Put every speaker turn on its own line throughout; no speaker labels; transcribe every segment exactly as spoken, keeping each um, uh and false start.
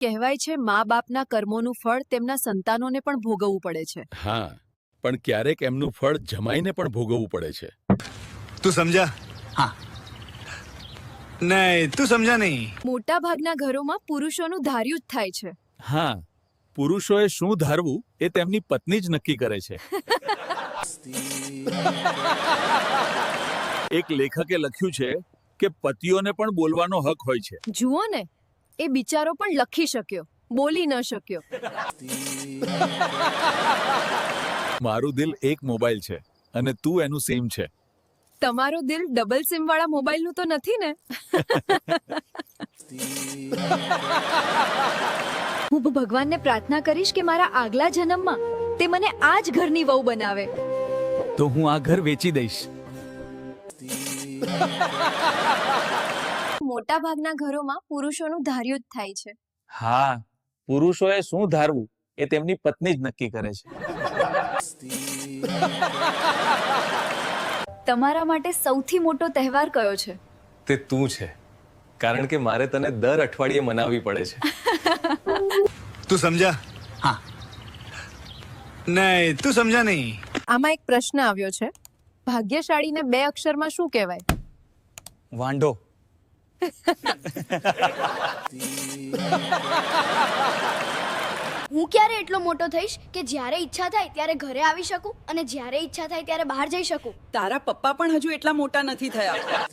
કહેવાય છે મા બાપના કર્મોનું ફળ તેમના સંતાનોને પણ ભોગવવું પડે છે.
હા, પણ ક્યારેક એમનું ફળ જમાઈને પણ ભોગવવું પડે છે.
તું સમજા?
હા.
નહીં, તું સમજા નહીં.
મોટા ભાગના ઘરોમાં પુરુષોનું ધાર્યું જ થાય છે.
હા, પુરુષોએ શું ધારવું એ તેમની પત્ની જ નક્કી કરે છે. એક લેખકે લખ્યું છે કે પતિઓને પણ બોલવાનો હક હોય છે.
જુઓ ને, એ બિચારો પણ લખી શક્યો, બોલી ન શક્યો.
મારું દિલ એક મોબાઈલ છે અને તું એનું સિમ છે.
તમારો દિલ ડબલ સિમ વાળા મોબાઈલનું તો નથી ને? હું ભગવાનને પ્રાર્થના કરીશ કે મારા આગલા જન્મમાં તે મને આ જ ઘરની વહુ બનાવે.
તો હું આ ઘર વેચી દઈશ.
મોટા ભાગના ઘરોમાં પુરુષોનું ધાર્યું જ થાય છે.
હા, પુરુષોએ શું ધારવું એ તેમની પત્ની જ નક્કી કરે છે.
તમારા માટે સૌથી મોટો તહેવાર કયો છે?
તે તું છે, કારણ કે મારે તને દર અઠવાડિયે મનાવવી પડે છે.
તું સમજા?
હા.
નહીં, તું સમજા નહીં.
આમાં એક પ્રશ્ન આવ્યો છે, ભાગ્યશાળીને બે અક્ષરમાં શું કહેવાય?
વાંઢો.
હું ક્યારે એટલો મોટો થઈશ કે જ્યારે ઈચ્છા થાય ત્યારે ઘરે આવી શકું અને જ્યારે ઈચ્છા થાય ત્યારે બહાર જઈ શકું?
તારા પપ્પા પણ હજુ એટલા મોટા નથી થયા.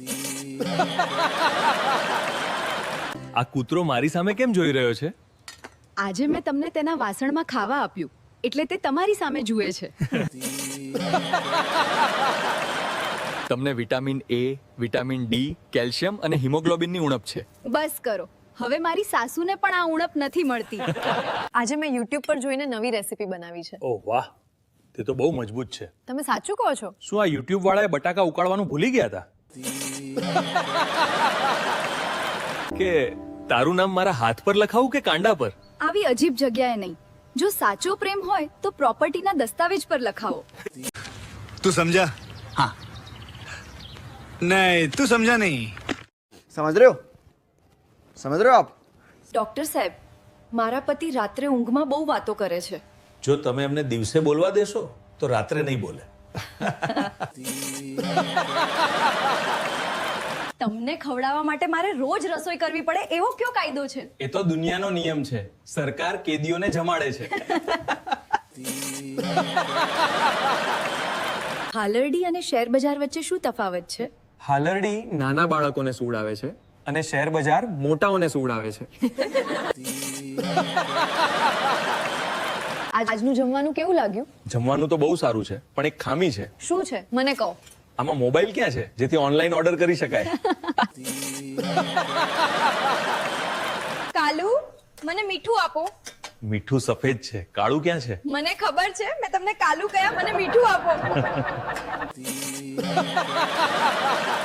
આ કૂતરો મારી સામે કેમ જોઈ રહ્યો છે?
આજે મેં તમને તેના વાસણમાં ખાવા આપ્યું એટલે તે તમારી સામે જુએ છે.
તમને vitamin A, vitamin D, calcium અને હિમોગ્લોબિનની ઉણપ છે.
બસ કરો, હવે મારી સાસુને પણ આ ઉણપ નથી મળતી. આજે મેં યુટ્યુબ પર જોઈને નવી રેસીપી બનાવી છે.
ઓહ વાહ, તે તો બહુ મજબૂત છે.
તમે સાચું કહો છો?
શું આ યુટ્યુબ વાળાએ બટાકા ઉકાળવાનું ભૂલી ગયા હતા? કે તારું નામ મારા હાથ પર લખાવું કે કાંડા પર?
આવી અજીબ જગ્યાએ નહીં. જો સાચો પ્રેમ હોય તો પ્રોપર્ટીના દસ્તાવેજ પર લખાવો.
તું સમજા?
હા.
નહીં, તું સમજા નહીં.
समझ रहे हो समझ रहे हो आप
ડોક્ટર સાહેબ, મારા પતિ રાત્રે ઊંઘમાં બહુ વાતો કરે છે.
જો તમે એમને દિવસે બોલવા દેશો તો રાત્રે નહીં બોલે.
તમને ખવડાવવા માટે મારે રોજ રસોઈ કરવી પડે એવો કયો કાયદો છે?
એ તો દુનિયાનો નિયમ છે. સરકાર કેદીઓને જમાડે છે.
હાલરડી અને શેર બજાર વચ્ચે શું તફાવત છે?
હાલરડી નાના બાળકોને સુવડાવે છે અને શેર બજાર મોટાઓને સુવડાવે છે.
આજનું જમવાનું કેવું લાગ્યું?
જમવાનું તો બહુ સારું છે, પણ એક ખામી છે.
શું છે મને કહો.
આમાં મોબાઈલ ક્યાં છે જેથી ઓનલાઈન ઓર્ડર કરી શકાય?
કાલુ, મને મીઠું આપો.
મીઠું સફેદ છે, કાળું ક્યાં છે?
મને ખબર છે, મેં તમને કાલુ કહ્યા, મને મીઠું આપો.